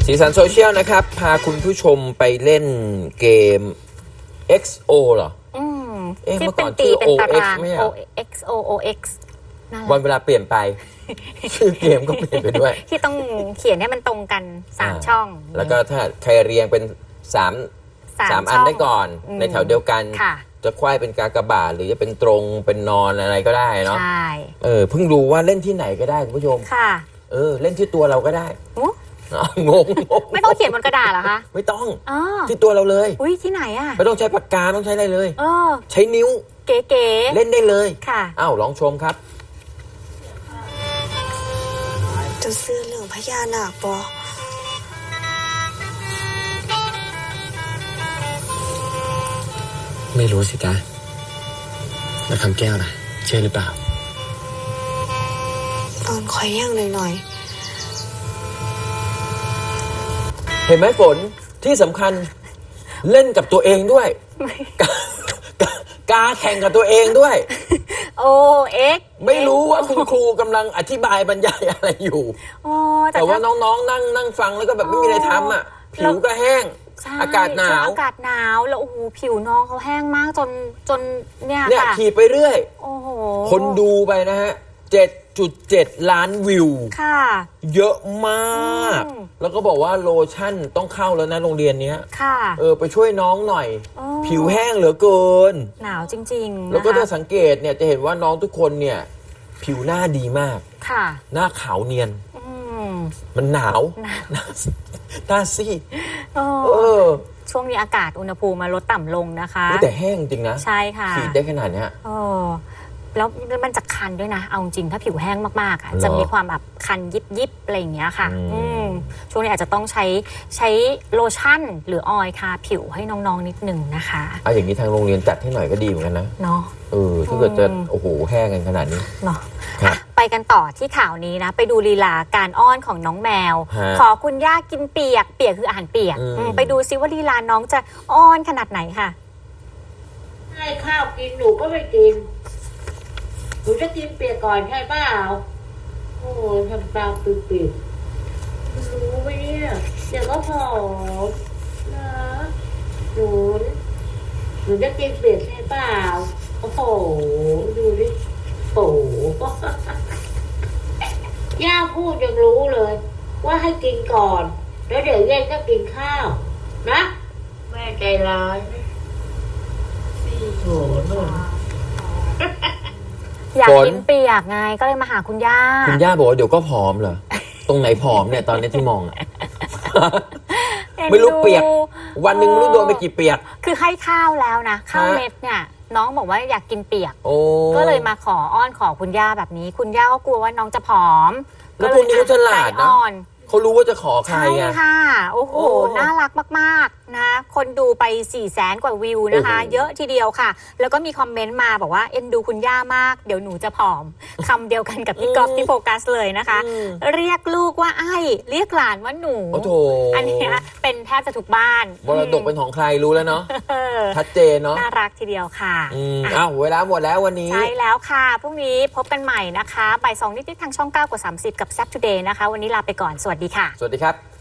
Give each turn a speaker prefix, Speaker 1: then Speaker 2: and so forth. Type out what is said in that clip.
Speaker 1: สีสันโซเชียลนะครับพาคุณผู้ชมไปเล่นเกม XO เหรอ
Speaker 2: ที่
Speaker 1: เมื่อ
Speaker 2: เป็
Speaker 1: ก่อน
Speaker 2: นตี
Speaker 1: ชื่อ
Speaker 2: เป็นตาราง
Speaker 1: ไม่ใช่
Speaker 2: OX
Speaker 1: วันเวลาเปลี่ยนไป ชื่อเกมก็เปลี่ยนไปด้วย
Speaker 2: ที่ต้องเขียนให้มันตรงกัน3ช่อง
Speaker 1: แล้วก็ถ้าใครเรียงเป็น3อันได้ก่อนในแถวเดียวกันจะควายเป็นกากบาทหรือจะเป็นตรงเป็นนอนอะไรก็ได้เนาะใช่เพิ่งรู้ว่าเล่นที่ไหนก็ได้คุณผู้ชมค่ะเล่นที่ตัวเราก็ได้งง
Speaker 2: ไม่ต้องเขียนบนกระดาษเหรอคะ
Speaker 1: ไม่ต้องที่ตัวเราเลย
Speaker 2: อุ้ยที่ไหนอ่ะ
Speaker 1: ไม่ต้องใช้ปากกาต้องใช้อะไรเลยใช้นิ้ว
Speaker 2: เก๋
Speaker 1: ๆเล่นได้เลย
Speaker 2: ค่ะ
Speaker 1: ลองชมครับ
Speaker 3: จะซื้อเรื่องพญานาคปอ
Speaker 4: ไม่รู้สิจ๊ะแล้วคำแก้วล่ะเชื่อหรือเปล่า
Speaker 3: ตอนคอยย่างหน่อย
Speaker 1: เห็นไหมฝนที่สำคัญเล่นกับตัวเองด้วยกาแข่งกับตัวเองด้วย
Speaker 2: OX
Speaker 1: ไม่รู้ว่าคุณครูกำลังอธิบายบรรยายอะไรอยู่แต่ว่าน้องๆนั่งฟังแล้วก็แบบไม่มีอะไรทำอ่ะผิวก็แห้งอากาศหนาว
Speaker 2: แล้วโอ้โหผิวน้องเขาแห้งมากจนเนี่ย
Speaker 1: ขี่ไปเรื่อย
Speaker 2: โอ้โห
Speaker 1: คนดูไปนะฮะ7.7 ล้านวิว
Speaker 2: ค่ะ
Speaker 1: เยอะมากแล้วก็บอกว่าโลชั่นต้องเข้าแล้วนะโรงเรียนนี้
Speaker 2: ค่ะ
Speaker 1: ไปช่วยน้องหน่อยผิวแห้งเหลือเกิน
Speaker 2: หนาวจริงๆ
Speaker 1: แล้วก็ถ้าสังเกตเนี่ยจะเห็นว่าน้องทุกคนเนี่ยผิวหน้าดีมาก
Speaker 2: ค่ะ
Speaker 1: หน้าขาวเนียนมันหนาวหน้าซีด
Speaker 2: ช่วงนี้อากาศอุณหภูมิมาลดต่ำลงนะคะ
Speaker 1: แต่แห้งจริงนะ
Speaker 2: ใช่ค่ะ
Speaker 1: ฉีดได้ขนาดนี้
Speaker 2: แล้วมันจะคันด้วยนะเอาจริงถ้าผิวแห้งมากๆจะมีความแบบคันยิบอะไรอย่างเงี้ยค่ะช่วงนี้อาจจะต้องใช้โลชั่นหรือออยล์ทาผิวให้น้องๆนิดหนึ่งนะคะ
Speaker 1: อย่างนี้ทางโรงเรียนจัดให้หน่อยก็ดีเหมือนกันนะ
Speaker 2: เนาะ
Speaker 1: ถ้าเกิดจะโอ้โหแห้งกันขนาดนี้
Speaker 2: เนาะไปกันต่อที่ข่าวนี้นะไปดูลีลาการอ้อนของน้องแมวขอคุณย่ากินเปียกคืออาหารเปียกไปดูซิว่าลีลาน้องจะอ้อนขนาดไหนค่ะ
Speaker 5: ให้ข้าวกินหนูก็ไม่กินหนูจะกินเปียกก่อนใช่เปล่าโอ้ทำตาปิดๆรู้ไหมเนี่ยเดี๋ยวก็ผอมนะหนูจะกินเปียกใช่เปล่าโอ้โหดูดิโอ้ย่าพูดยังรู้เลยว่าให้กินก่อนแล้วเดี๋ยวเย็นก็กินข้าวนะแม่ใจร้ายโอ้โห
Speaker 2: อยากกินเปียกไงก็เลยมาหาคุณย่า
Speaker 1: บอกว่าเดี๋ยวก็ผอมเหรอตรงไหนผอมเนี่ยตอนนี้ที่มองไม่รู้เปียกวันหนึ่งไม่รู้โดนไปกี่เปียก
Speaker 2: คือให้ข้าวแล้วนะข้าวเม็ดเนี่ยน้องบอกว่าอยากกินเปียกก็เลยมาขออ้อนขอคุณย่าแบบนี้คุณย่าก็กลัวว่าน้องจะผอม
Speaker 1: แล้วคุณนี่ฉลาดนะเขารู้ว่าจะขอใคร
Speaker 2: ใช่ค่ะโอ้โหน่ารักมากๆนะคนดูไป400,000 กว่าวิวนะคะเยอะทีเดียวค่ะแล้วก็มีคอมเมนต์มาบอกว่าเอ็นดูคุณย่ามากเดี๋ยวหนูจะผอมคำเดียวกันกับพี่ก๊อฟที่โฟกัสเลยนะคะเรียกลูกว่าไอ้เรียกหลานว่าหนูอันนี้เป็นแทบจะทุกบ้าน
Speaker 1: มรดกเป็นของใครรู้แล้วเนาะชัดเจนเนาะ
Speaker 2: น่ารักทีเดียวค่ะ
Speaker 1: เวลาหมดแล้ววันนี้
Speaker 2: ใช่แล้วค่ะพรุ่งนี้พบกันใหม่นะคะบ่าย 2 นิดๆทางช่อง 9 กว่า 30กับ Zap Today นะคะวันนี้ลาไปก่อนสวัสดีค่ะ
Speaker 1: สวัสดีครับ